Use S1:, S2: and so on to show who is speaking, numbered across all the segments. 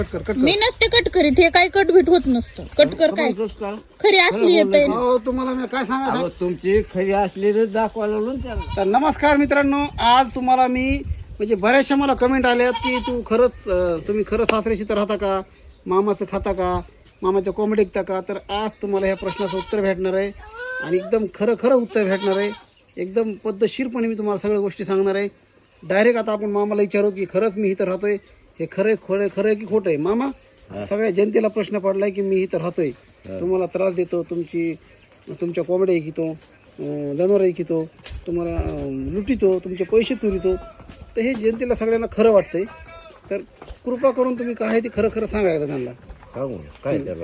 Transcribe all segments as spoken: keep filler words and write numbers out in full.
S1: मी नसते कट करीत, हे काय कट भेट होत नसतं. कट कर काय खरी असली येते.
S2: हो तुम्हाला मी काय सांगायचं,
S3: तुमची खरी असली तर दाखवा लागलो ना त्याला.
S2: तर नमस्कार मित्रांनो, आज तुम्हाला मी म्हणजे बऱ्याचशा मला कमेंट आल्यात की तू खरंच अं, तुम्ही खरं सासऱ्याशी तर राहता का, मामाचं खाता का, मामाच्या कोंबडी ऐकता का. तर आज तुम्हाला ह्या प्रश्नाचं उत्तर भेटणार आहे आणि एकदम खरं खरं उत्तर भेटणार आहे. एकदम पद्धतशीरपणे मी तुम्हाला सगळ्या गोष्टी सांगणार आहे. डायरेक्ट आता आपण मामाला विचारू की खरंच मी इथं राहतोय, हे खरं खरं खरं की खोटं आहे. मामा, सगळ्या जनतेला प्रश्न पडलाय की मी इथं राहतोय, तुम्हाला त्रास देतो, तुमची तुमच्या कोंबड्या ऐकितो, जनावर ऐकितो, तुम्हाला लुटितो, तुमचे पैसे चोरितो. तर हे जनतेला सगळ्यांना खरं वाटतंय. तर कृपा करून तुम्ही काय ते खरं खरं सांगायचं त्यांना.
S3: सांगू काय त्याला.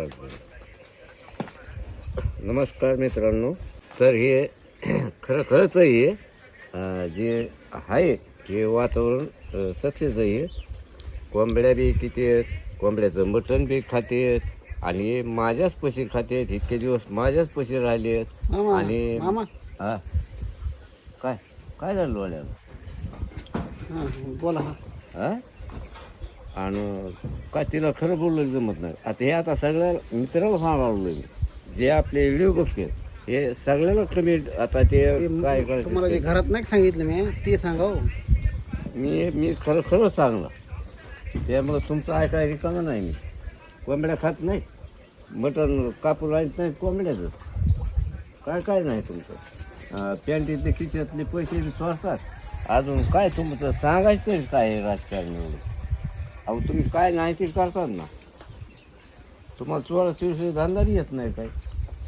S3: नमस्कार मित्रांनो, तर हे खरं खरंच आहे. हे जे आहे हे वातावरण सक्सेस आहे. कोंबड्या बी किती आहेत, कोंबड्याचं मटण बी खाते आणि माझ्याच पशी खाते. इतके दिवस माझ्याच पशी राहिले आहेत.
S2: मामा,
S3: आणि
S2: मामा
S3: हा काय काय झालं वाल्याला
S2: हां बोला. हा
S3: हा आणि काय तिला खरं बोललं जमत नाही. आता हे आता सगळ्या मित्राला सांगायला लागलो मी, जे आपले व्हिडिओ बघते हे सगळ्याला कमेंट. आता ते काय
S2: तुम्हाला जे
S3: करायचं
S2: घरात नाही सांगितलं मी ते सांगा हो.
S3: मी मी खरं खरं सांगलं. त्यामुळं तुमचं ऐकायला रिकामं नाही. मी कोंबड्या खात नाही, मटण कापून आणत नाही कोंबड्याचं. काय काय नाही तुमचं. पॅन्टीतले खिशातले पैसे बी चोरतात. अजून काय तुमचं सांगायचं तरी काय आहे राजकारण एवढं. अहो तुम्ही काय नाही ते करतात ना. तुम्हाला चोरा चोरशी धंदा बी येत नाही काय.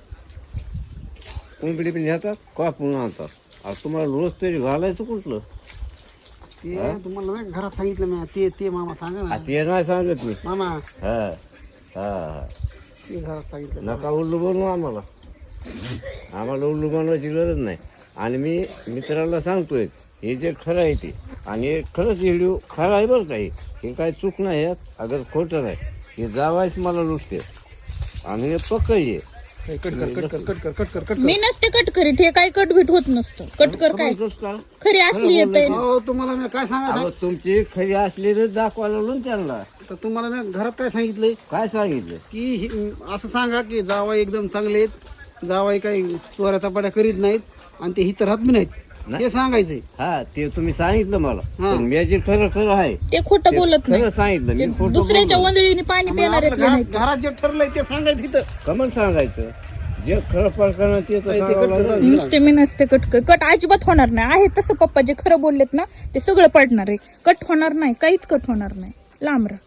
S3: कोंबडी बी नेतात, कापून आणतात. अहो तुम्हाला रोज तरी घालायचं कुठलं.
S2: ते तुम्हाला नाही घरात सांगितलं मी ते ते मामा सांगा ना.
S3: ते नाही सांगत मी.
S2: मामा
S3: हा हा हा
S2: ते घरात सांगितलं.
S3: नका उल्लू बनवू आम्हाला. आम्हाला उल्लू बनवायची गरज नाही. आणि मी मित्राला सांगतोय हे जे खरं आहे ते, आणि हे खरंच व्हिडिओ खरं आहे बरं काही. हे काय चूक नाही यात, अगर खोटं नाही. हे जावायच मला लुटते आणि हे पक्क आहे.
S2: कट कर कट कर कट कर कट कर कट
S1: मी नसते कट करीत, हे काय कट भेट होत नसतं. कट कर काय खरी असली येते.
S2: हो तुम्हाला मी काय सांगायचं,
S3: अहो, तुमची खरी असली तर दाखवा लागलो ना त्यांना.
S2: तर तुम्हाला मी घरात काय सांगितलंय
S3: काय सांगितलं
S2: की हे- असं सांगा की जावाई एकदम चांगले आहेत, जावाई काही चोऱ्या चपाट्या करीत नाहीत आणि ते हित राहत बी नाहीत, हे सांगायचंय.
S3: हा ते तुम्ही सांगितलं मला.
S2: हा.
S3: पण मी जे खरं खरं आहे
S1: ते खोटं बोलत नाही.
S3: खरं सांगितलं
S1: ते
S3: मी. खोटं
S1: दुसऱ्याच्या
S3: बोललो.
S1: वंदळीने पाणी पिणार
S2: आपलं घरात घरात जे ठरलंय ते सांगायचं इथं.
S3: कमन सांगायचं जे खरं प्रकरण ते तर
S2: ते
S3: सांगावं
S2: कट कर.
S3: लागलं.
S1: नुसते मी नसते कट कर. कट अजिबात होणार नाही. आहे तसं पप्पा जे खरं बोललेत ना ते सगळं पडणार आहे. कट होणार नाही, काहीच कट होणार नाही. लांब राहा.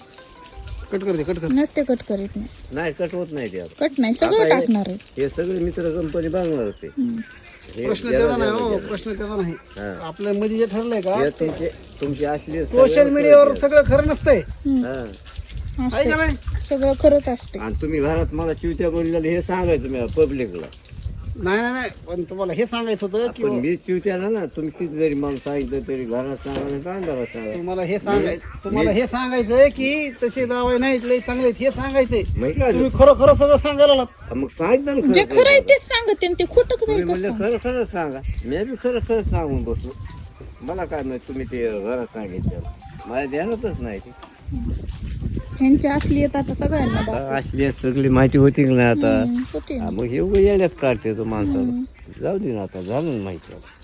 S2: कट कर दे कट कर.
S1: नसते कट करीत नाही.
S3: नाही कट होत नाही ते आता.
S1: कट नाही, सगळं
S3: आता हे-
S1: टाकणार आहे.
S3: हे सगळे मित्र कंपनी बांधणार असते. हे
S2: प्रश्न
S3: ज्याला-
S2: त्याचा नाही
S3: ज्याला-
S2: हो,
S3: ज्याला.
S2: प्रश्न त्याचा नाही.
S3: हा.
S2: आपल्या मध्ये जे ठरलंय का
S3: हे तुमचे तुमची असली
S2: सोशल मीडियावर सगळं खरं नसतंय,
S3: हा.
S2: आहे का नाही.
S1: सगळं खरंच असते.
S3: आणि तुम्ही घरात मला चिवत्या बोललेलं हे सांगायचं मी पब्लिकला.
S2: नाही नाही नाही पण तुम्हाला हे सांगायचं होतं की
S3: पण मी चिवत्याला ना तुम्ही किती जरी मला सांगितलं तरी घरात सांगा नाही तर अंधारात सांगा.
S2: तुम्हाला हे सांगायचं तुम्हाला हे सांगायचंय की तसे जावई नाहीत, लय चांगले आहेत, हे सांगायचंय.
S3: माहिती का?
S2: तुम्ही खरं खरं सगळं सांगायला लागलात.
S3: मग सांगितलं ना
S1: जे
S3: खरं
S1: खरं आहे
S3: खरं.
S1: तेच सांगते आणि ते खोटं
S3: तुम्ही
S1: करेल
S3: म्हणलं
S1: कसं.
S3: खरं खरं सांगा. मी बी खरं खरं सांगून बसलो. मला काय माहिती तुम्ही ते घरात सांगितलं. मला ध्यानातच नाही ते.
S1: ह्यांच्या असली येत आता सगळ्यांना दाखव.
S3: असली सगळी माहिती होती की नाही आता.
S1: हम्म, होती ना.
S3: हा, मग हे उगा येण्याच काढते तो माणसाला. जाऊ दे ना आता, झालं ना माहिती आता.